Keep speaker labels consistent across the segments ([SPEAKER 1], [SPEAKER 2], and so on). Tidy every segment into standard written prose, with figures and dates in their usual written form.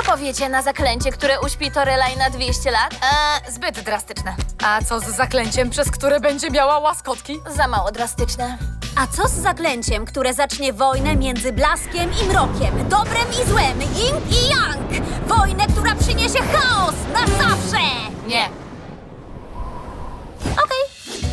[SPEAKER 1] powiecie na zaklęcie, które uśpi Torelaj na 200 lat?
[SPEAKER 2] Zbyt drastyczne. A co z zaklęciem, przez które będzie miała łaskotki?
[SPEAKER 1] Za mało drastyczne.
[SPEAKER 3] A co z zaklęciem, które zacznie wojnę między blaskiem i mrokiem, dobrem i złem, yin i yang? Wojnę, która przyniesie chaos na zawsze!
[SPEAKER 2] Nie.
[SPEAKER 3] Okej.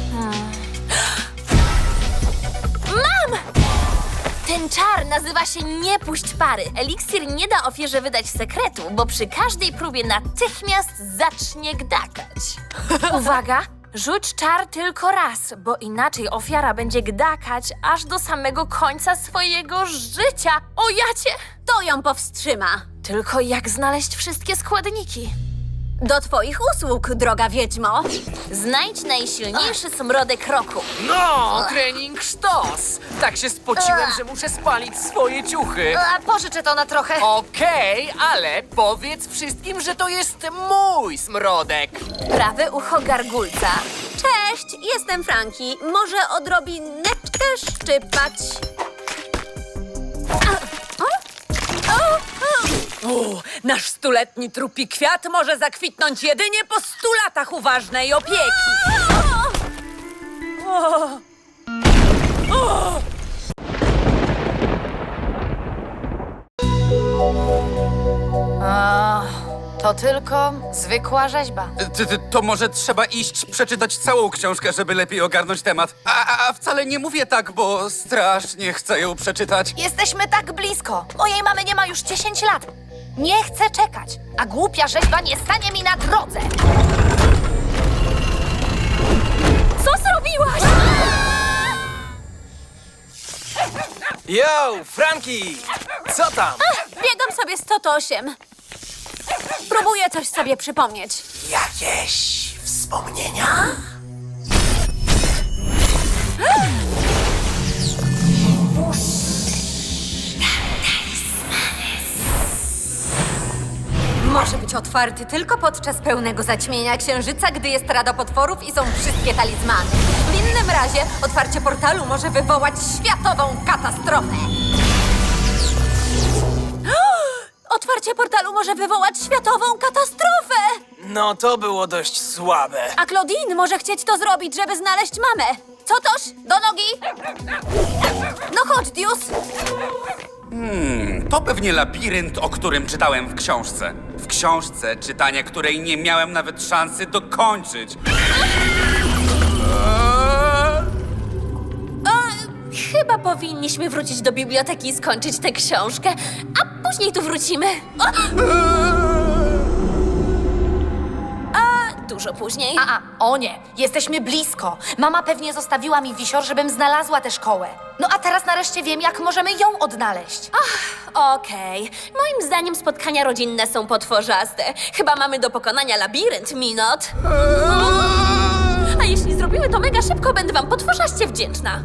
[SPEAKER 1] Ten czar nazywa się Nie puść pary. Eliksir nie da ofierze wydać sekretu, bo przy każdej próbie natychmiast zacznie gdakać. Uwaga! Rzuć czar tylko raz, bo inaczej ofiara będzie gdakać aż do samego końca swojego życia. O jacie!
[SPEAKER 3] To ją powstrzyma.
[SPEAKER 1] Tylko jak znaleźć wszystkie składniki?
[SPEAKER 3] Do twoich usług, droga wiedźmo.
[SPEAKER 1] Znajdź najsilniejszy smrodek roku.
[SPEAKER 4] No, trening sztos! Tak się spociłem, że muszę spalić swoje ciuchy.
[SPEAKER 2] A pożyczę to na trochę.
[SPEAKER 4] Okej, ale powiedz wszystkim, że to jest mój smrodek.
[SPEAKER 1] Prawe ucho gargulca.
[SPEAKER 3] Cześć, jestem Franki. Może odrobineczkę szczypać.
[SPEAKER 2] Nasz stuletni trupi kwiat może zakwitnąć jedynie po 100 latach uważnej opieki. To tylko zwykła rzeźba.
[SPEAKER 5] To może trzeba iść przeczytać całą książkę, żeby lepiej ogarnąć temat. A wcale nie mówię tak, bo strasznie chcę ją przeczytać.
[SPEAKER 2] Jesteśmy tak blisko. Mojej mamy nie ma już 10 lat. Nie chcę czekać, a głupia rzeźba nie stanie mi na drodze.
[SPEAKER 1] Co zrobiłaś?
[SPEAKER 4] Yo, Franki! Co tam?
[SPEAKER 3] Biegam sobie 108. Próbuję coś sobie przypomnieć.
[SPEAKER 4] Jakieś wspomnienia?
[SPEAKER 6] Może być otwarty tylko podczas pełnego zaćmienia księżyca, gdy jest rada potworów i są wszystkie talizmany. W innym razie otwarcie portalu może wywołać światową katastrofę.
[SPEAKER 3] Otwarcie portalu może wywołać światową katastrofę!
[SPEAKER 4] No to było dość słabe.
[SPEAKER 3] A Claudine może chcieć to zrobić, żeby znaleźć mamę. Co toż? Do nogi! No chodź, Dius!
[SPEAKER 5] To pewnie labirynt, o którym czytałem w książce. W książce, czytania której nie miałem nawet szansy dokończyć.
[SPEAKER 1] Chyba powinniśmy wrócić do biblioteki i skończyć tę książkę, a później tu wrócimy. Dużo później.
[SPEAKER 2] O nie, jesteśmy blisko. Mama pewnie zostawiła mi wisior, żebym znalazła tę szkołę. No a teraz nareszcie wiem, jak możemy ją odnaleźć.
[SPEAKER 1] Okej. Moim zdaniem spotkania rodzinne są potworzaste. Chyba mamy do pokonania labirynt, Minot. A jeśli zrobimy to mega szybko, będę wam potworzaście wdzięczna.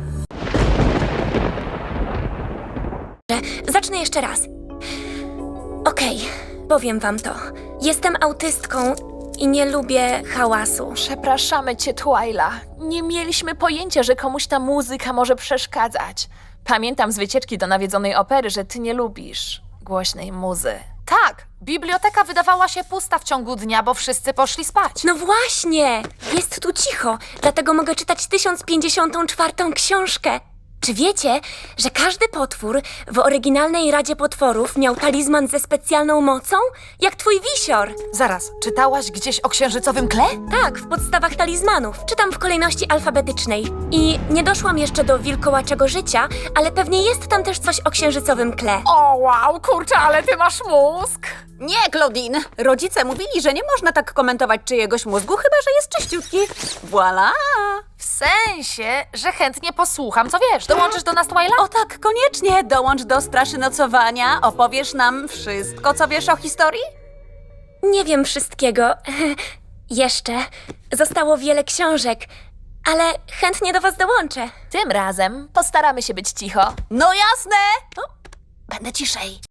[SPEAKER 7] Zacznę jeszcze raz. Okej, powiem wam to. Jestem autystką i nie lubię hałasu.
[SPEAKER 1] Przepraszamy cię, Twyla. Nie mieliśmy pojęcia, że komuś ta muzyka może przeszkadzać. Pamiętam z wycieczki do nawiedzonej opery, że ty nie lubisz głośnej muzy.
[SPEAKER 2] Tak, biblioteka wydawała się pusta w ciągu dnia, bo wszyscy poszli spać.
[SPEAKER 7] No właśnie! Jest tu cicho, dlatego mogę czytać 1054 książkę. Czy wiecie, że każdy potwór w oryginalnej Radzie Potworów miał talizman ze specjalną mocą? Jak twój wisior!
[SPEAKER 2] Zaraz, czytałaś gdzieś o księżycowym kle?
[SPEAKER 7] Tak, w podstawach talizmanów. Czytam w kolejności alfabetycznej. I nie doszłam jeszcze do wilkołaczego życia, ale pewnie jest tam też coś o księżycowym kle.
[SPEAKER 2] O wow, kurczę, ale ty masz mózg!
[SPEAKER 3] Nie, Claudine. Rodzice mówili, że nie można tak komentować czyjegoś mózgu, chyba że jest czyściutki. Voilà!
[SPEAKER 2] W sensie, że chętnie posłucham, co wiesz. Dołączysz do nas, Twyla?
[SPEAKER 3] O tak, koniecznie. Dołącz do Straszy Nocowania. Opowiesz nam wszystko, co wiesz o historii?
[SPEAKER 7] Nie wiem wszystkiego. Jeszcze. Zostało wiele książek, ale chętnie do was dołączę.
[SPEAKER 1] Tym razem postaramy się być cicho.
[SPEAKER 3] No jasne!
[SPEAKER 1] Będę ciszej.